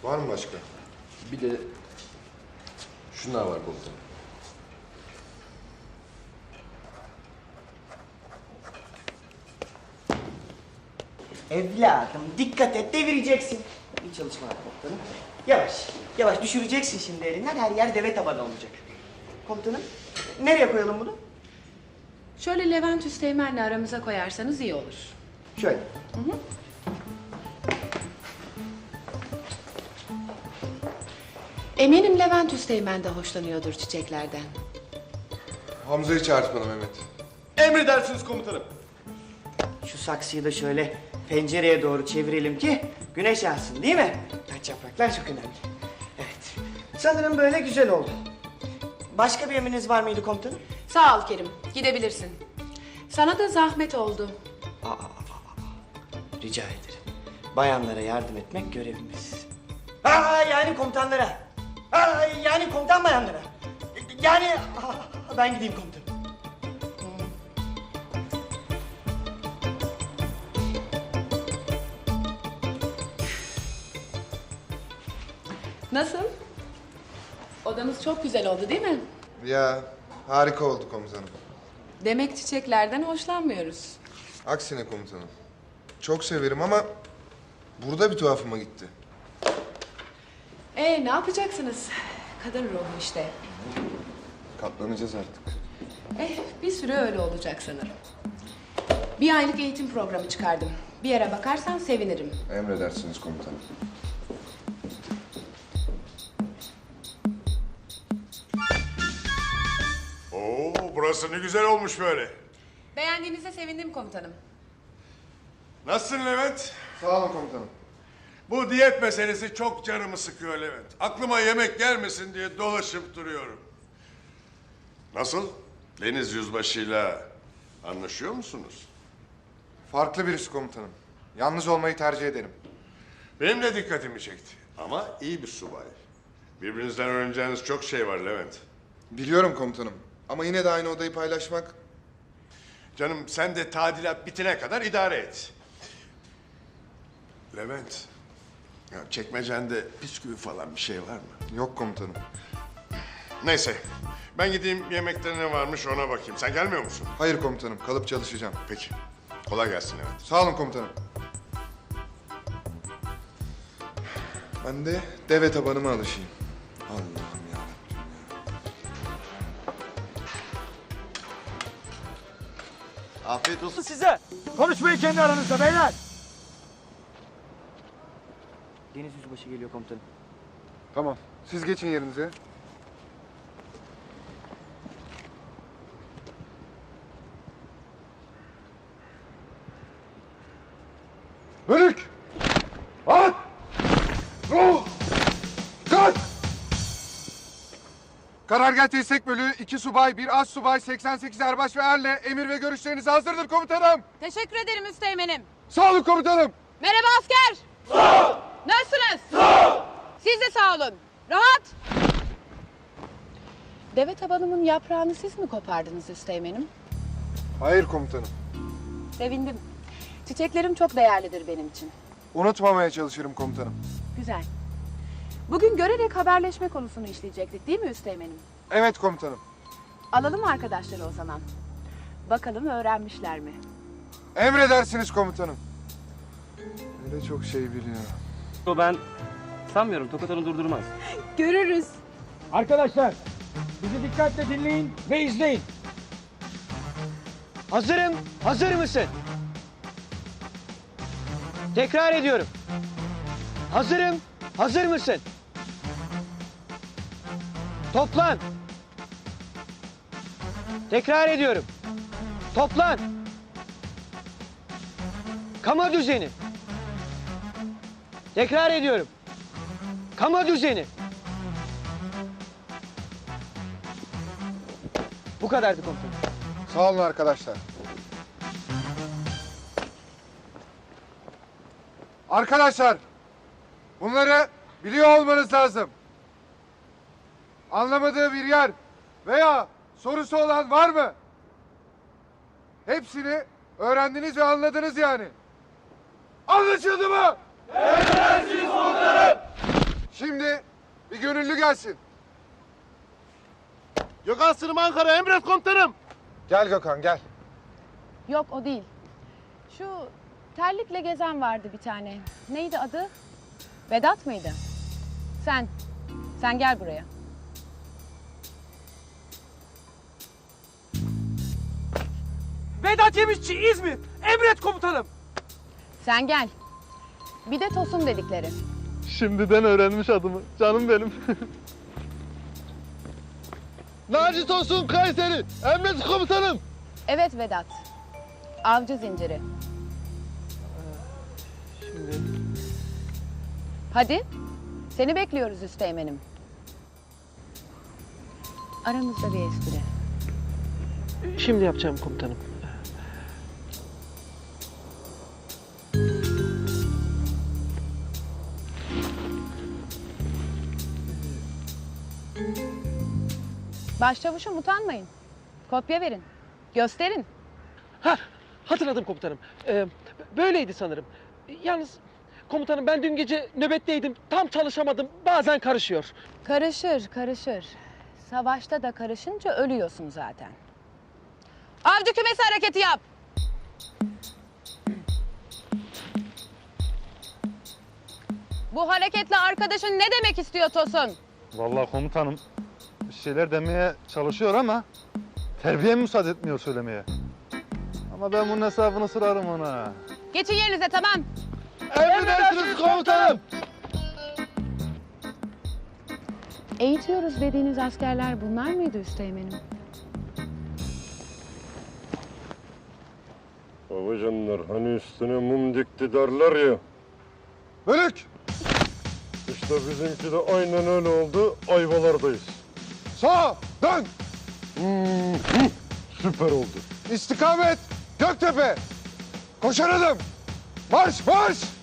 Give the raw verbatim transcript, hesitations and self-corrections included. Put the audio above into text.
Var mı başka? Bir de şunlar var komutanım. Evladım dikkat et, devireceksin. İyi çalışmalar komutanım. Yavaş, yavaş düşüreceksin şimdi elinden. Her yer deve tabanı olacak. Komutanım, nereye koyalım bunu? Şöyle Levent Üsteğmen'le aramıza koyarsanız iyi olur. Şöyle. Hı hı. Eminim Levent Üsteğmen de hoşlanıyordur çiçeklerden. Hamza'yı çağırt bana Mehmet. Emredersiniz komutanım. Şu saksıyı da şöyle pencereye doğru çevirelim ki güneş alsın, değil mi? Taç yapraklar çok önemli. Evet. Sanırım böyle güzel oldu. Başka bir emriniz var mıydı komutanım? Sağ ol Kerim, gidebilirsin. Sana da zahmet oldu. Aa, aa, aa, aa. Rica ederim. Bayanlara yardım etmek görevimiz. Aa, yani komutanlara. Aa, yani komutan bayanlara. Yani aa, ben gideyim komutanım. Nasıl? Odamız çok güzel oldu değil mi? Ya harika oldu komutanım. Demek çiçeklerden hoşlanmıyoruz. Aksine komutanım. Çok severim ama burada bir tuhafıma gitti. Ee ne yapacaksınız? Kadın ruhu işte. Katlanacağız artık. Eh bir süre öyle olacak sanırım. Bir aylık eğitim programı çıkardım. Bir yere bakarsan sevinirim. Emredersiniz komutanım. Oo, burası ne güzel olmuş böyle. Beğendiğinize sevindim komutanım. Nasılsın Levent? Sağ olun komutanım. Bu diyet meselesi çok canımı sıkıyor Levent. Aklıma yemek gelmesin diye dolaşıp duruyorum. Nasıl? Deniz Yüzbaşı'yla anlaşıyor musunuz? Farklı birisi komutanım. Yalnız olmayı tercih ederim. Benim de dikkatimi çekti. Ama iyi bir subay. Birbirinizden öğreneceğiniz çok şey var Levent. Biliyorum komutanım. Ama yine de aynı odayı paylaşmak... Canım sen de tadilat bitene kadar idare et. Levent, ya çekmecende bisküvi falan bir şey var mı? Yok komutanım. Neyse, ben gideyim yemekte ne varmış ona bakayım. Sen gelmiyor musun? Hayır komutanım. Kalıp çalışacağım. Peki, kolay gelsin Levent. Sağ olun komutanım. Ben de deve tabanıma alışayım. Allah'ım yarabbim ya. Afiyet olsun. Size konuşmayın kendi aranızda beyler. Deniz Yüzbaşı geliyor komutanım. Tamam. Siz geçin yerinize. Bölük! At! Ruh! Kalk! Karargah Destek Bölüğü iki subay, bir az subay, seksen sekiz erbaş ve erle emir ve görüşleriniz hazırdır komutanım. Teşekkür ederim üsteğmenim. Sağ olun komutanım. Merhaba asker. Sağ ol. Nasılsınız? Sağ ol. Siz de sağ olun. Rahat. Deve tabanımın yaprağını siz mi kopardınız üsteğmenim? Hayır komutanım. Sevindim. Çiçeklerim çok değerlidir benim için. Unutmamaya çalışırım komutanım. Güzel. Bugün görerek haberleşme konusunu işleyecektik değil mi üsteğmenim? Evet komutanım. Alalım arkadaşları o zaman. Bakalım öğrenmişler mi? Emredersiniz komutanım. Öyle çok şey biliyor. Ben sanmıyorum Tokat onu durdurmaz. Görürüz. Arkadaşlar bizi dikkatle dinleyin ve izleyin. Hazırım. Hazır mısın? Tekrar ediyorum. Hazırım. Hazır mısın? Toplan. Tekrar ediyorum. Toplan. Kama düzeni. Tekrar ediyorum. Kama düzeni. Bu kadardı komutanım. Sağ olun arkadaşlar. Arkadaşlar, bunları biliyor olmanız lazım. Anlamadığı bir yer veya sorusu olan var mı? Hepsini öğrendiniz ve anladınız yani. Anlaşıldı mı? Emredersiniz komutanım. gönüllü gelsin. Gökhan Sırım Ankara, emret komutanım. Gel Gökhan gel. Yok o değil. Şu terlikle gezen vardı bir tane. Neydi adı? Vedat mıydı? Sen. Sen gel buraya. Vedat Yemişçi İzmir. Emret komutanım. Sen gel. Bir de Tosun dedikleri. Şimdiden öğrenmiş adımı. Canım benim. Naci Tosun Kayseri. Emret komutanım. Evet Vedat. Avcı zinciri. Şimdi Hadi. Seni bekliyoruz üsteğmenim. Aramızda bir espri. Şimdi yapacağım komutanım. Başçavuşum utanmayın. Kopya verin. Gösterin. Ha, hatırladım komutanım. Ee, böyleydi sanırım. Yalnız komutanım ben dün gece nöbetteydim. Tam çalışamadım. Bazen karışıyor. Karışır, karışır. Savaşta da karışınca ölüyorsun zaten. Avcı kümesi hareketi yap. Bu hareketle arkadaşın ne demek istiyor Tosun? vallahi komutanım bir şeyler demeye çalışıyor ama terbiye müsaade etmiyor söylemeye. Ama ben bunun hesabını sorarım ona. Geçin yerinize, tamam. Emredersiniz komutanım. Eğitiyoruz dediğiniz askerler bunlar mıydı üsteğmenim? Babacanlar hani üstüne mum dikti derler ya. Bölük. İşte bizimki de aynen öyle oldu. Ayvalardayız. Sağ. Dön. Süper oldu. İstikamet. Göktepe. Koşar adım. Marş marş.